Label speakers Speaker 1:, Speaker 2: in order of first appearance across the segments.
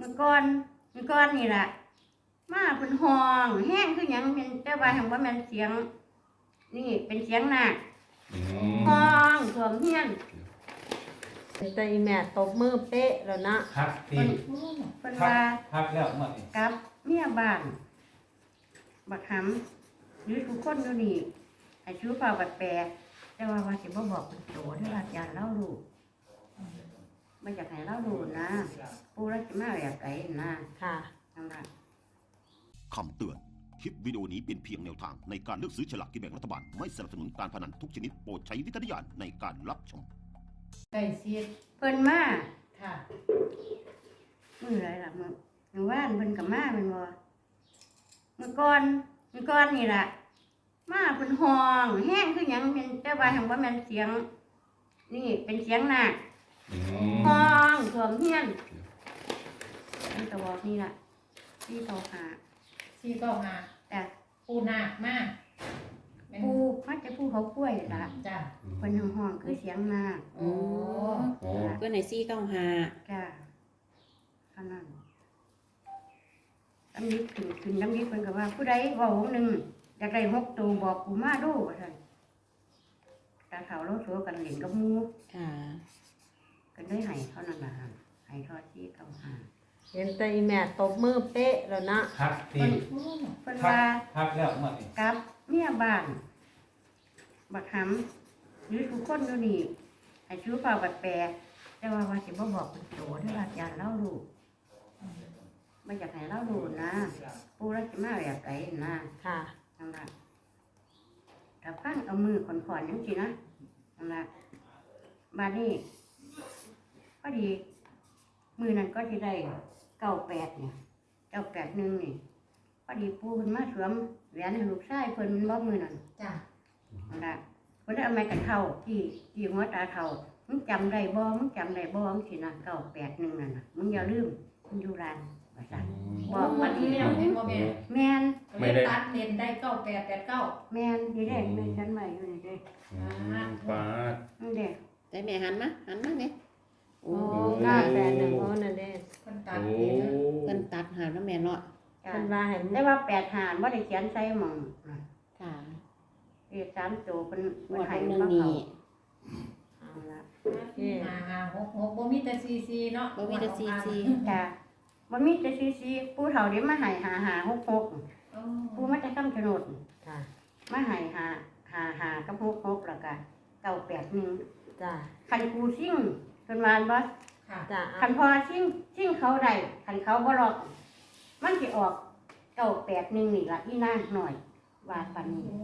Speaker 1: มื่อก่อนนี่ล่ะมาเป็นห้องแห้งคือหยังเป็นแต่ว่าหังว่าแม่นเสียงนี่เป็นเสียงหนักห้องท่วมเฮียน
Speaker 2: แต่อีแม่ตบมือเป๊ะแล้วนะ
Speaker 3: ครับที
Speaker 1: เพิ่นว่า
Speaker 3: พักแล้วเมื่อนี้
Speaker 1: กับเมียบ้านบักหำหรือทุกคนอยู่นี่ให้ชูเปล่าบัดแปรแต่ว่าสิบ่บอกเป็นโตเด้อว่าจานเล่ารู้บ่อยากให้เล่ารู้นะปู่ราชมาแบบไกลนะ
Speaker 2: ค่ะ
Speaker 1: นั่นล่ะ
Speaker 4: คำเตือน คลิปวิดีโอนี้เป็นเพียงแนวทางในการเลือกซื้อฉลากกินแบ่งรัฐบาล ไม่สนับสนุนการพนันทุกชนิดโปรดใช้วิจารณญาณในการรับชม
Speaker 5: ไก่ซีด
Speaker 1: เพิ่นมา
Speaker 5: ค่ะ
Speaker 1: มื้อไรล่ะมื้อวานเพิ่นก็มาแม่นบ่เมื่อก่อนนี่ล่ะมาเพิ่นห้องแห้งคือหยังเป็นแต่ว่าหังว่าแม่นเสียงนี่เป็นเสียงหนักห้องท่วมเฮียนมันก็บอกนี่ล่ะที่เขาหา
Speaker 5: ซีก็มา
Speaker 1: จ้ะ
Speaker 5: ปูหนักมากเป็น
Speaker 1: ผู้มักจะผู้เขากล้วยล่ะ
Speaker 5: จ้ะ
Speaker 1: เพิ่นห้องคือเสียงหนัก
Speaker 5: โอ้
Speaker 6: เพื่อนในซี่เก้าหา
Speaker 1: จ้ะเท่านั้นตำนิดขึ้นตำนิดเพิ่นก็ว่าผู้ใดเว้าหนึงอยากได้6ตัวบอกกูมาดูว่าซั่นตาเฒ่าเราสัวกันเล่นกับหมู่
Speaker 6: ค่ะ
Speaker 1: ก็ได้ให้เท่านั้นล่ะให้ทอดที่เขาหา
Speaker 2: เห็นแต่อีแม่ตบมือเป๊ะแล้วนะ
Speaker 3: พักที
Speaker 1: เพิ่น
Speaker 3: พั
Speaker 1: ว่า
Speaker 3: พักแล้วเมื่อนี้
Speaker 1: กับเมียบ้านบักหำหรือทุกคนอยู่นี่ให้ชูเปล่าบัดแปรแต่ว่าสิบ่บอกเป็นโตเด้อว่าจานเล่ารู้บ่อยากให้เล่ารู้นะปู่ราชมาแบบไกลนะ
Speaker 2: ค่ะ
Speaker 1: นั่นล่ะถ้าฟังเอามือขอนๆจังซี่นะนั่นล่ะบัดนี้พอดีมือนั้นก็สิได้98เนี่ย981นี่พอดีปู่เพิ่นมาสวมแหวนให้ลูกชายเพิ่นบ่มือนั้น
Speaker 5: จ้ะ
Speaker 1: นั่นล่ะเพิ่นได้เอาไม้กันเท่าที่หัวตาเท่ามึงจำได้บ่มึงจำได้บ่จังซี่นะ981นั่นน่ะมึงอย่าลืมมึงอยู่ร้านว่าซั่นบอกวันที่
Speaker 5: แม่เห็นบ่แม่
Speaker 1: แม่น
Speaker 5: ไม่ได้ตัดเลนได้9889
Speaker 1: แม่นนี่เด้แม่นฉันใหม่อยู่นี่เด้
Speaker 7: ฟ้า
Speaker 1: นี่เด้
Speaker 6: ได้แม่หันมาเนี่ยโอ้
Speaker 2: โอ้981โอ้นั่นเด้
Speaker 5: คนตัด
Speaker 7: โอ้
Speaker 5: เลน
Speaker 6: เพิ่นตัดหาแล้วแม่เนาะ
Speaker 1: จ้ะ
Speaker 2: เพิ่นว่าให้
Speaker 1: แต่ว่า8หารบ่ได้เขียนใส่หม่องน่ะ
Speaker 6: ค่ะ
Speaker 1: เลข3ตัวเพิ่น
Speaker 6: หมวด
Speaker 1: ให้
Speaker 6: หนึ่ง
Speaker 1: มา
Speaker 6: นี่
Speaker 1: เอาล่ะ
Speaker 5: 556บ่มีแต่ซีเนาะ
Speaker 6: บ่มีแต่ซีซี
Speaker 1: จ้ะบ่มีแต่ซีปู่เฒ่าเดี๋ยวมาให้5566
Speaker 5: โอ้
Speaker 1: ปู่มาแต่คำชะโนด
Speaker 2: ค่ะ
Speaker 1: มาให้5กับ66แล้วก็981
Speaker 2: จ้า
Speaker 1: คันกูซิ่งเพิ่นว่าบ่
Speaker 5: ค่ะ
Speaker 2: จ้า
Speaker 1: คันพอซิ่งเขาได้คันเขาบ่ล็อกมันสิออก981นี่ล่ะอีนางหน่อยว่าปานนี้
Speaker 5: โอ้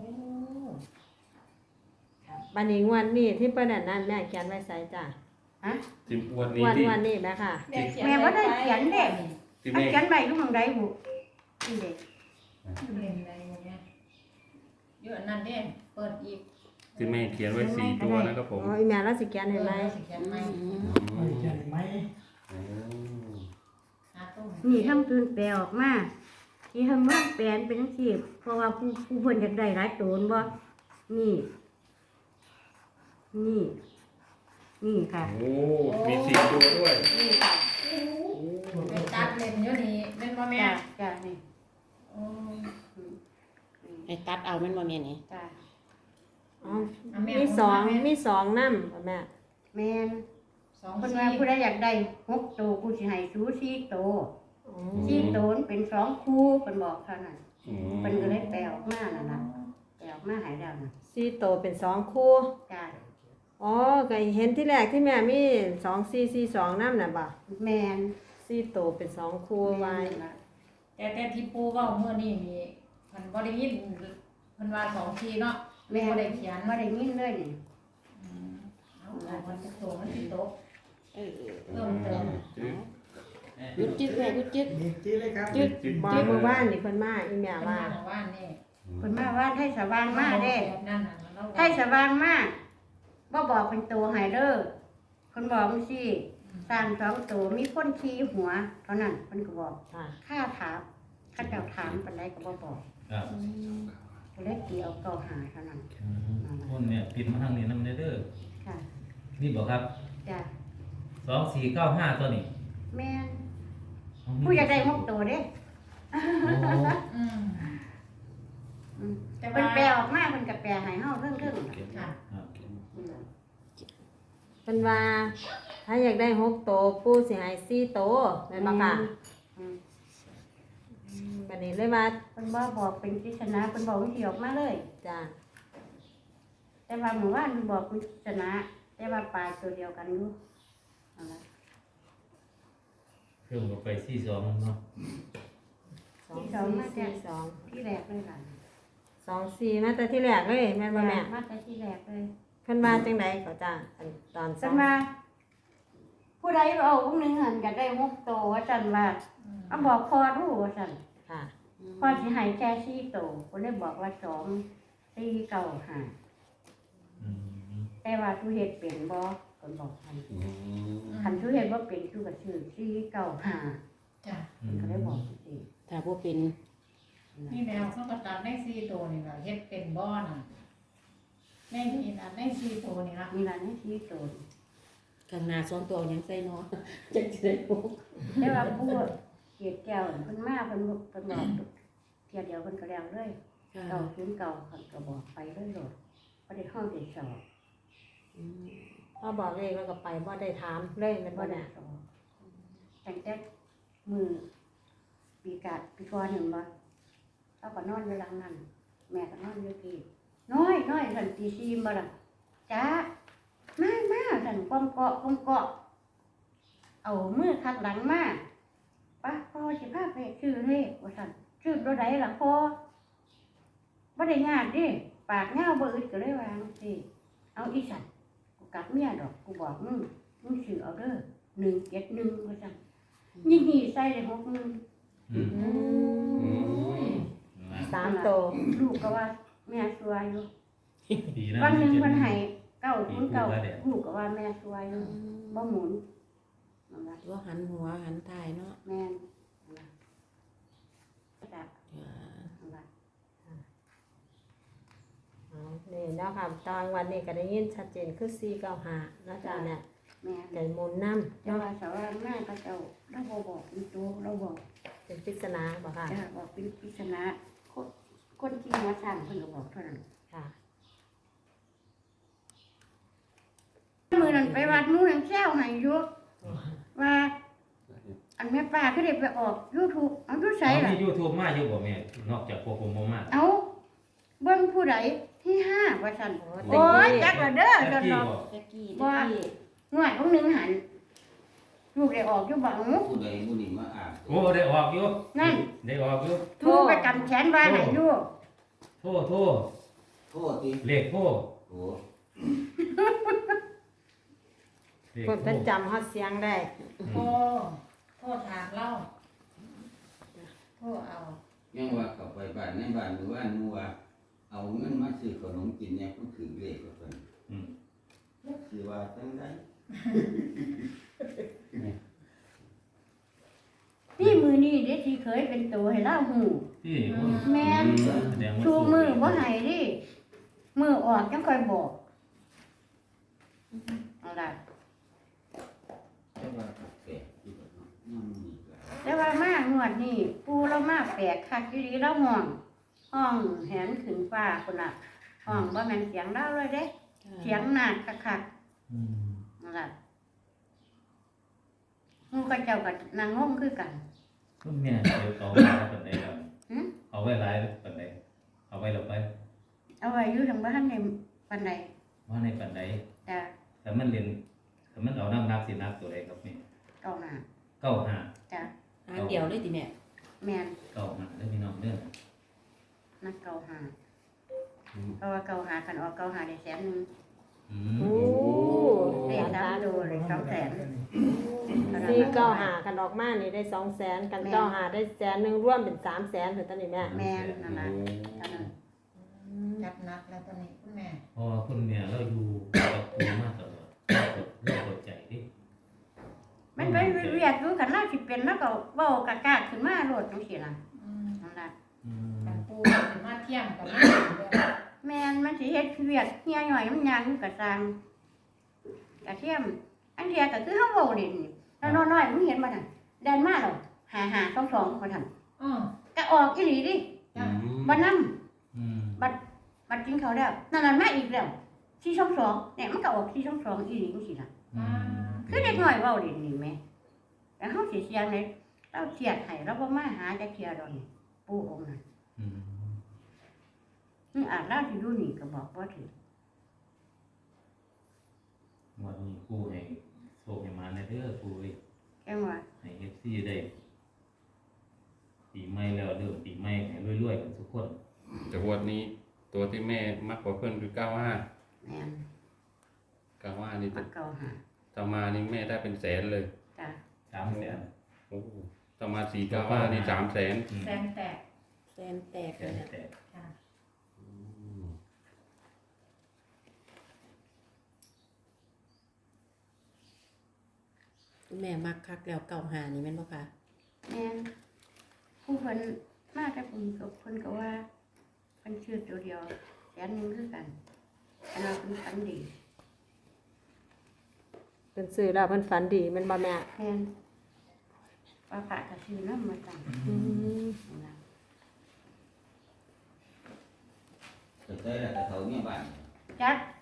Speaker 2: บัดนี้งวดนี้ที่เพิ่นนั่นแม่เขียนไว้ใส่จ้า
Speaker 1: ฮะ
Speaker 7: ที่วัน
Speaker 2: ง
Speaker 7: นี้
Speaker 2: วด
Speaker 7: ที่
Speaker 2: วันนี้แม่ค่ะ
Speaker 1: แม่บ่ได้เขียนเด้
Speaker 7: ที่
Speaker 1: มัน
Speaker 7: แม่
Speaker 1: เขียนไว้อยู่ข้างใดบุนี่เด้
Speaker 5: เลนได้บ่แม่อยู่อันนั้นเด้เปิดอีก
Speaker 7: ที่แม่เขียนไว้4 ตัวนะครับผม
Speaker 2: อ๋ออีแม่แล้วสิเขียนให้ไหม
Speaker 5: สิเขียนไหม
Speaker 7: อืม
Speaker 5: หาตู้
Speaker 1: นี่ทำคืนแปลออกมาที่ทำว่าแปลเป็นจังซี่เพราะว่าผู้เพิ่นอยากได้หลายโตนบ่นี่นี่นี่ค่ะ
Speaker 7: โอ้มี4 ตัวด้วย
Speaker 1: นี่ค่ะ
Speaker 5: ไปตัดเลนอยู่นี่แม่นบ่แม่
Speaker 1: จ้ะจ้ะนี่
Speaker 5: โอ้
Speaker 6: ไอ้ตัดเอาแม่นบ่แม่นี่
Speaker 1: จ้ะ
Speaker 2: อ๋อมีสองนำแม่
Speaker 1: แม่น
Speaker 5: 2
Speaker 1: เพิ่นว่าผู้ใดอยากได้6โตกูสิให้สู4โต
Speaker 2: อ๋อ
Speaker 1: 4โตนเป็น2คู่เพิ่นบอกเท่านั้น
Speaker 7: อืม
Speaker 1: เพิ่นก็เลยแปลออกมานั่นล่ะแปลออกมาให้แล้วน่ะ
Speaker 2: 4โตเป็น2คู่
Speaker 1: จ้ะ
Speaker 2: อ๋อก็เห็นที่แรกที่แม่มี2442นำน่ะบ่
Speaker 1: แม่น
Speaker 2: 4โตเป็น2คู่ไว้
Speaker 1: นั่นล่ะ
Speaker 5: แต่ที่ปูเว้าเมื่อนี้นี่เพิ่นบ่ได้ยินเพิ่นว่า2ทีเนาะแม่บ่ได้เขียน
Speaker 1: บ่ได้ยินเลยนี่
Speaker 5: เอามันจะโตมันสิตก
Speaker 6: เออ
Speaker 5: เพิ่มเติม
Speaker 6: หยุดจึ๊กแม่หยุดจึ๊ก
Speaker 2: จึ๊กบ่เมื่อวานนี่เพิ่นมาอีแม่
Speaker 5: ว่า
Speaker 2: ว่า
Speaker 5: นี่
Speaker 1: เพิ่นมาว่าให้สว่างมาเด้
Speaker 5: แบบนั้นน่ะเรา
Speaker 1: ให้สว่างมาบ่บอกเป็นตัวให้เด้อเพิ่นบอกจังซี่สร้าง2ตัวมีคนขี่หัวเท่านั้นเพิ่นก็บอก
Speaker 2: ค่ะ
Speaker 1: ค่าถามข้าเจ้าถามปานใดก็บ่บอก
Speaker 3: ครับ
Speaker 1: ก็เลยตีเอาเก่าหาเท่านั้น
Speaker 3: คนเนี่ยปิดมาทางนี้นำเด้อ
Speaker 1: ค่ะ
Speaker 3: นี่บอกครับ
Speaker 1: จ้ะ
Speaker 3: 2495ตัวนี้
Speaker 1: แม่น
Speaker 3: เอา
Speaker 1: ผู้อยากได้6ตัวเด้
Speaker 3: โอ้
Speaker 5: อืม
Speaker 1: อืม
Speaker 5: แต่
Speaker 1: เพิ่
Speaker 5: ว่าน
Speaker 1: แปลออกมาเพิ่นก็แปลให้เฮาเรื่อง
Speaker 5: ค่ะ
Speaker 3: ครับ
Speaker 2: เป็นว่า ถ้าอยากได้6โตวปูสิให้4โตวแม่นบ่ค่ะ
Speaker 1: อืม
Speaker 2: บัดนี้เลยว่า
Speaker 1: เพิ่นบ่บอกเป็นปริศนาเพิ่นบอกวิธีออกมาเลย
Speaker 2: จ้า
Speaker 1: แต่ว่าเมื่อวานเพิ่นบอกเป็นปริศนาแต่ว่าปลาตัวเดียวกันอยู่นั่นล่ะ
Speaker 3: เครื่องก็ไป42เนาะ
Speaker 2: 2 4 4 2
Speaker 1: ที่แรกเลยล่ะ
Speaker 2: 2 4มาแต่ที่แรกเลยแม่นบ่แม่
Speaker 1: มาแต่ที่แรกเลย
Speaker 2: เพิ่นว่าจังไดก็จ้าอันตอน
Speaker 1: ฉันมาผู้ใดเอาพวกนึงหันก็ได้6ตัวว่าฉันว่าเอาบอกพอรู้ว่าฉัน
Speaker 2: ค่ะ
Speaker 1: พอสิให้แค่4ตัวก็เลยบอกว่า2 4 9 5
Speaker 3: อืม
Speaker 1: แต่ว่าทุเฮ็ดเป็นบ่ก็บอกให้
Speaker 7: อืม
Speaker 1: คันทุเฮ็ดบ่เป็นทุก็ชื่อ4 9 5
Speaker 5: จ้ะ
Speaker 1: ก็เลยบอกสิ
Speaker 6: ถ้าบ่เป็น
Speaker 5: นี่แมวเขาก็ตัดได้4ตัวนี่ล่ะเฮ็ดเป็นบ่น่ะแม่นี่น่ะได้4ตัวนี่ล่ะ
Speaker 1: มีร้านให้4ตัว
Speaker 6: ข้างหน้า2ตัวเอาหยังใส่เนาะ จักสิได้บ่
Speaker 1: แต่ว่าผู้เกียรติแก้วเพิ่นมาเพิ่นบอกเที่ยเดียวเพิ่นก็แล้วเลย
Speaker 6: ค่ะ
Speaker 1: เก่าศูนย์เก่าเพิ่นก็บอกไปเลยโลดบ่ได้ห้องได้สอบ
Speaker 6: อืม
Speaker 2: พอบอกเลขแล้วก็ไปบ่ได้ถามเลยแม่น
Speaker 1: บ่
Speaker 2: บ่
Speaker 1: ได้
Speaker 2: แม่
Speaker 1: สอบตั้งแต่มือปีก่อนหนึ่งบ่เราก็นอนอยู่หลังนั้นแม่ก็นอนอยู่ที่น้อยสันตีซีบ่ล่ะจ้ามาสันก้มเกาะเอามือคัดหลังมาป้าพ่อสิพาไปชื่อเลขว่าสันชื่อตัวใดล่ะพ่อบ่ได้ญาติดิปากเงาบ่อึดก็เลยวาจังซี่เอาอีสันกูกัดเมียดอกกูบอกมึงชื่อเอาเด้อ171ว่าซั่นยิ่งหีใส่ได้60,000
Speaker 3: อืม
Speaker 2: อืม
Speaker 3: นะ
Speaker 2: 3โตว
Speaker 1: ลูกก็ว่าแม่สวยอยู่
Speaker 3: ปีนั้น
Speaker 1: วันหนึ่ง
Speaker 3: จ็ด
Speaker 1: วันให้909ลูกก็ว่าแม่สวยอยู่บ่หมุนนั่นล่ะ
Speaker 6: ตัวหันหัวหันท้ายเนาะ
Speaker 1: แม่นนั่นล่ะจ้ะ
Speaker 6: จ้า
Speaker 1: นั่นล่ะ
Speaker 2: อ๋อนี่เนาะค่ะตอนวันนี้ก็ได้ยินชัดเจนคือ495เนาะจ้าเนี่ย
Speaker 1: แม่น
Speaker 2: ไก่หมุนนำ
Speaker 1: แต่ว่าสาวแม่ก็เจ้าเราบ่บอกเป็นตัวเราบอก
Speaker 2: เป็นปริศนาบ่ค่ะ
Speaker 1: จ้ะบอกเป็นปริศนาคนที่มาสร้างเพิ่นก็บอกเท่านั้น
Speaker 2: ค่ะ
Speaker 1: มื้อนั้นไปวัดหมู่นังแซวให้อยู่ว่า อันแม่ป้าก็ได้ไปออก YouTube เอาอยู่ไสล่ะ
Speaker 3: มี YouTube มาอยู่บ่แม่นอกจากพวกผมบ่มา
Speaker 1: เอาเบิ่งผู้ใดที่5ว่าซั่น
Speaker 2: โอ้
Speaker 1: โอ้ยจักละเด้อ
Speaker 3: แท็
Speaker 1: เด้
Speaker 3: ก
Speaker 1: อ
Speaker 3: กี้
Speaker 1: เนาะ
Speaker 3: บ่
Speaker 6: ตะกี้
Speaker 1: ง่วยของหนึงหันลูกได้ออกอยู่บัง
Speaker 8: ผู้ใดผู้หนึ่งมาอ่าน
Speaker 3: โอ้ได้ออกอยู่
Speaker 1: นั่น
Speaker 3: ได้ออกอยู่
Speaker 1: ทูไปกำแขนว่าให้อยู่
Speaker 3: โทษ
Speaker 8: โทษที
Speaker 3: เลขโทษ
Speaker 8: โอ้
Speaker 3: เลข
Speaker 2: เพิ่น
Speaker 3: โท
Speaker 2: เป็น
Speaker 3: ษ
Speaker 2: จำฮอดเสียงได้
Speaker 5: โทษถามเล่าโทษเอา
Speaker 8: ยังว่าเข้าไปบ้านในบ้านหรือว่าหนูว่าเอาเงินมาซื้อขนมกินเนี่ยผู้ถือเลขก็เป็น
Speaker 3: อืม
Speaker 8: สิว่าจังได๋
Speaker 1: นี่มือนี่เด็กที่เคยเป็นตัวให้เล่าหู
Speaker 3: ที่
Speaker 1: แม่น
Speaker 3: แสดงว่า
Speaker 1: ชูมือบ่ให้ดิมือออกจังค่อยบอกเอาล่ะ
Speaker 8: จังว่าแปลกอยู่เนาะมันมีก็
Speaker 1: แต่ว่ามางวดนี่ปูเรามาแปลกคักอยู่ดีเราห้องแหนขึ้นฟ้าพุ่นน่ะห้องบ่แม่นเสียงเราเลยเด้เสียงหนักคัก
Speaker 3: อืม
Speaker 1: ๆนั่นล่ะหมู่กับเจ้าก็นั่งงงคือกัน
Speaker 3: คุณแม่เดี๋ยวเอาไว้หลายปานใดแล้ว
Speaker 1: หึ
Speaker 3: เอาไว้หลายปานใดเอาไว้แล้วไป
Speaker 1: เอาไว้อยู่ทางบ้านในปานใด
Speaker 3: ว่าในปานใด
Speaker 1: จ้ะ
Speaker 3: แต่มันเรียนแต่มันเอานักสินักตัวใดครับแม่
Speaker 1: เก้าหน้า
Speaker 3: 95
Speaker 1: จ้ะ
Speaker 6: หางเดียวเลยติแม่
Speaker 1: แม่น
Speaker 3: 95ได้อพี่น้องเด้อ
Speaker 1: นักเก้าหาเพราะว่าเก้าหาคันออกเก้าหาได้100,000
Speaker 3: อื
Speaker 2: โอ้
Speaker 3: ม
Speaker 1: ได้สามตัวเลย200,000
Speaker 2: 495กันออกมานี่ได้200,000กัน95ได้100,000รวมเป็น300,000ถึงตอนนี้แม่
Speaker 1: แม่นนั่นล่ะเท่านั้น
Speaker 5: จัดหนักแล้วตอนนี้คุณแม่
Speaker 3: เพราะว่าคุณแม่เราอยู่กับครูมาตลอดเราเข้าใจดิ
Speaker 1: มันเป็นเวียดอยู่คันเราสิเป็นแล้วก็เว้ากากๆขึ้นมาโลดจังซี่ล่ะ
Speaker 5: อืม
Speaker 1: นั่นล่ะ
Speaker 3: อืม
Speaker 5: แต่ปูสิมาเที่ยงกับมา
Speaker 1: แม่นมันสิเฮ็ดเวียดเฮียหน่อยมันยังก็สร้างกระเทียมอันเทียก็คือเฮาเว้าเล่นนี่แล้วน้อยๆมึงเห็นบ่นั่นแดนมาแล้วหาหา2 2คนทำ
Speaker 5: อ้อ
Speaker 1: ก็ออกอีหลีดิ
Speaker 5: จ้ะ
Speaker 1: บ่นำ
Speaker 3: อืม
Speaker 1: บัดกินเขาวแล้วนั่นมาอีกแล้ว422เนี่ยมันก็ออก422อีหลีจังซี่ล่ะ
Speaker 3: อืม
Speaker 1: คือเด็กน้อยเว้าเล่นนี่แหมแต่เฮาสิเสียงเลยเราเครียดให้เราบ่มาหาจักเที่ยดอกนี่ปู่องค์นั้น
Speaker 3: อืม
Speaker 1: อาจเราสิอยู่นี่ก็บอกบ่ถูก
Speaker 3: วันนี้ปูให้โชคให้มาในเด้อปูเอ้ย
Speaker 1: แกงว่า
Speaker 3: ให้ FC ได้ปีใหม่แล้วเริ่มปีใหม่ให้รวยๆกันทุกคน
Speaker 7: แต่งวดนี้ตัวที่แม่มักกว่าเพื่อนคือ95
Speaker 1: แม่น
Speaker 7: 95นี่
Speaker 1: มาเก่าหา
Speaker 7: ถ้ามานี่แม่ได้เป็นแสนเลย
Speaker 1: จ้ะ
Speaker 3: 300,000
Speaker 7: โอ้ถ้ามา495นี่300,000
Speaker 5: แสนแตก
Speaker 2: แสนแตก
Speaker 3: แส
Speaker 2: เลย
Speaker 3: น
Speaker 2: นะ
Speaker 3: แตก
Speaker 5: จ้ะ
Speaker 2: แม่มักคักแล้วเก่าหานี่แม่นบ่คะ
Speaker 1: แม่นผู้เพิ่นมาแต่เพิ่นก็ว่าเพิ่นชื่อตัวเดียวแสนหนึงคือกันอันนั้นเพิ่นฝันดี
Speaker 2: เพิ่นซื้อแล้วเพิ่นฝันดีแม่นบ่แม่
Speaker 1: แม่นว่าพระก็ชื่อนำมาตั้ง
Speaker 2: อืม
Speaker 1: นะ
Speaker 8: แต่ได้แล้วแต่เขาเนี่ยบ้าน
Speaker 1: จัก